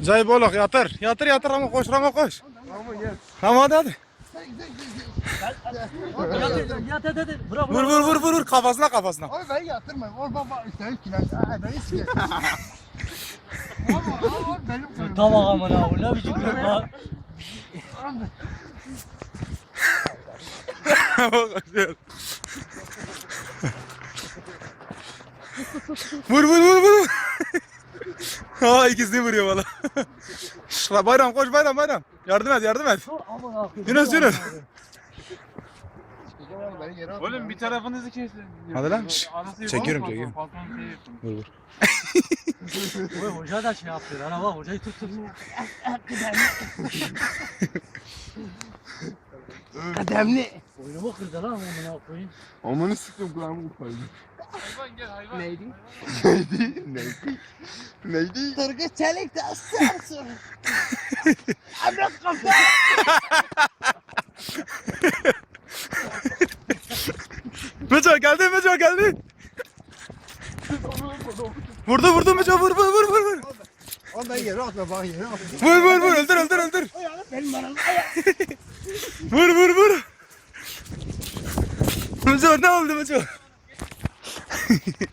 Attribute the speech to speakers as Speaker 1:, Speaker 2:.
Speaker 1: Cay bolak yatır. Yatır yatır ama koş Ramo koş. Tamam hadi hadi.
Speaker 2: Yat. Bırak
Speaker 1: Vur kafasına kafasına.
Speaker 3: Abi ben yatırmayayım. O baba üstelik kiler. Beni siker. Abi benim kırmızı.
Speaker 2: Tamam aman abi ne biçim lan.
Speaker 1: Vur. Ha ikisini vuruyor valla. Bayram koş bayram. Yardım et.
Speaker 2: Aman abi.
Speaker 1: Yunus.
Speaker 3: Beni yere atma.
Speaker 4: Oğlum bir tarafınızı kesin.
Speaker 1: Hadi lan.
Speaker 4: Arası
Speaker 1: Çekiyorum.
Speaker 4: Palton şey yapın.
Speaker 1: Vur.
Speaker 2: Oy hoca da şey yapıyor. Ana bak hocayı tut.
Speaker 3: Kademli.
Speaker 2: Oyunumu kırdı lan amına koyayım.
Speaker 3: Amanı sıktım kulağımı kopardı.
Speaker 4: Hayvan gel hayvan.
Speaker 3: Neydi? Neydi? Tırgı çelik de aslan. Amına kafa.
Speaker 1: Meco geldi. Vurdu Meco vur.
Speaker 3: Oğlum ben yere atma bana yere atma.
Speaker 1: Vur öldür.
Speaker 3: Benim bana.
Speaker 1: Vur. Meco ne oldu Meco?